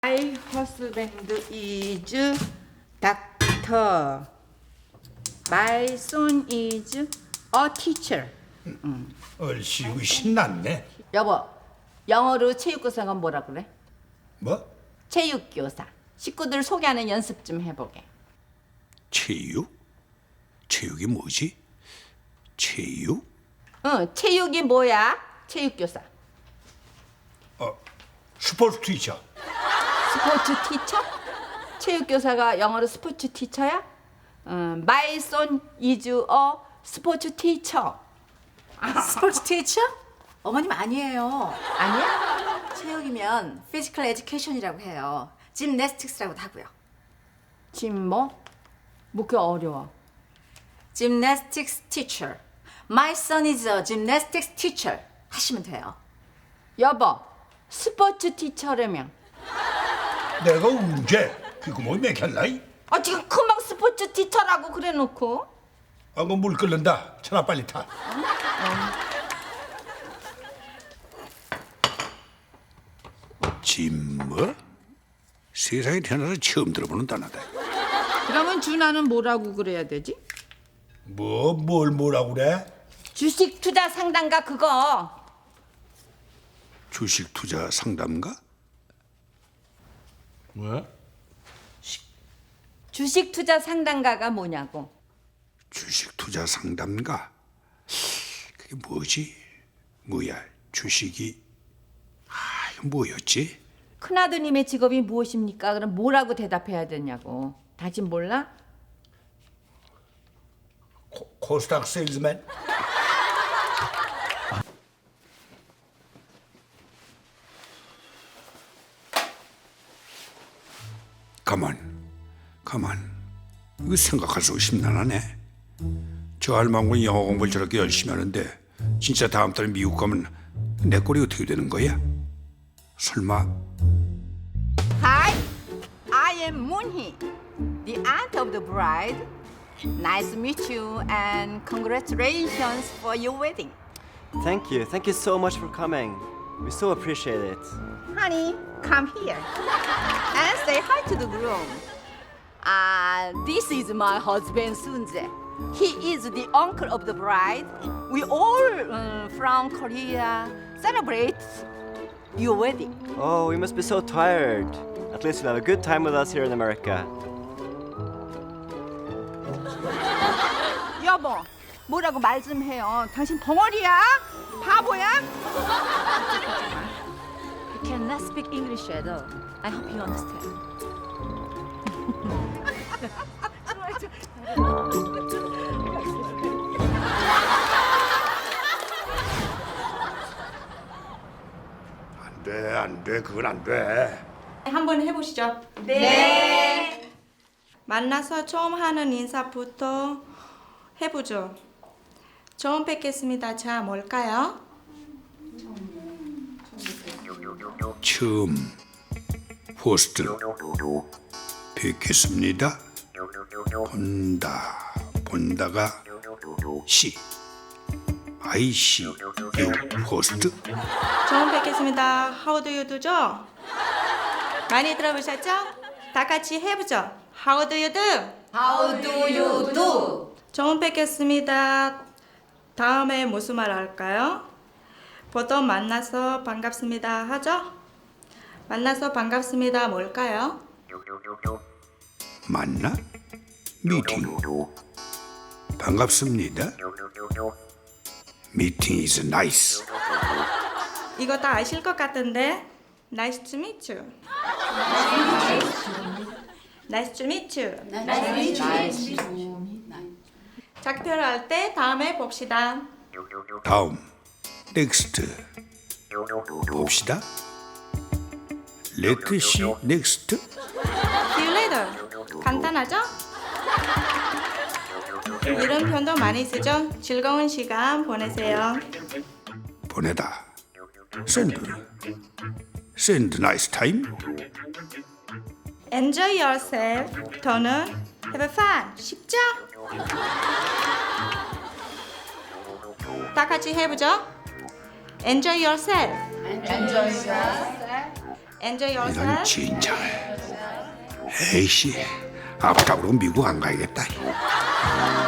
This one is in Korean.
My husband is doctor. My son is a teacher. 얼씨구 신났네. 여보, 영어로 체육교사가 뭐라 그래? 뭐? 체육교사. 식구들 소개하는 연습 좀 해보게. 체육? 체육이 뭐지? 체육? 응, 체육이 뭐야? 체육교사. 스포츠 티처. 스포츠 티처? 체육교사가 영어로 스포츠 티처야? My son is a 스포츠 티처. 스포츠 티처? 어머님 아니에요. 아니야? 체육이면 피지컬 에듀케이션이라고 해요. 짐네스틱스라고도 하고요. 지금 뭐? 뭐 어려워. 짐네스틱스 티처. My son is a gymnastics teacher 하시면 돼요. 여보, 스포츠 티처라며. 내가 언제? 이거 뭐 맥혔나이? 지금 금방 스포츠 티처라고 그래놓고. 그거 물 끓는다. 천하 빨리 타. 짐 뭐? 세상에 태어나서 처음 들어보는 단어다. 그러면 준하는 뭐라고 그래야 되지? 뭘 뭐라고 그래? 주식 투자 상담가 그거. 주식 투자 상담가? 뭐? 주식 투자 상담가가 뭐냐고. 주식 투자 상담가? 그게 뭐지? 뭐야? 주식이 이거 뭐였지? 큰아드님의 직업이 무엇입니까? 그럼 뭐라고 대답해야 되냐고. 당신 몰라? 코스닥 세일즈맨? 가만. 이거 생각할수록 심란하네. 저 할망구는 영어 공부를 저렇게 열심히 하는데 진짜 다음 달에 미국 가면 내 꼴이 어떻게 되는 거야? 설마 Hi, I am Moonhee, the aunt of the bride. Nice to meet you and congratulations for your wedding. Thank you. Thank you so much for coming. We so appreciate it. Honey, come here and say hi to the groom. This is my husband Sunjae. He is the uncle of the bride. We all from Korea celebrate your wedding. Oh, we must be so tired. At least you'll have a good time with us here in America. 여보, 뭐라고 말 좀 해요. 당신 벙어리야? 바보야? You cannot speak English at all. I hope you understand. 안 돼. 그건 안 돼. 한번 해보시죠. 네. 만나서 처음 하는 인사부터 해보죠. 처음 뵙겠습니다. 자, 뭘까요? 처음 호스트 뵙겠습니다. 본다가 시 IC 유 호스트. 처음 뵙겠습니다. How do you do죠? 많이 들어보셨죠? 다 같이 해보죠. How do you do? How do you do? 처음 뵙겠습니다. 다음에 무슨 말 할까요? 보통 만나서 반갑습니다 하죠? 만나서 반갑습니다 뭘까요? 만나? 미팅. 반갑습니다. 미팅 is nice. 이거 다 아실 것 같은데 Nice to meet you. Nice to meet you. 작별할 때 다음에 봅시다. 다음 next 봅시다. Let's see next. See you later. 간단하죠? 이런 표현도 많이 쓰죠? 즐거운 시간 보내세요. 보내다. send nice time. Enjoy yourself. 더는 have fun. 쉽죠? 다 같이 해보죠. Enjoy yourself. Enjoy 이런 yourself. 진짜. 에이씨, 앞잡으로 미국 안 가야겠다.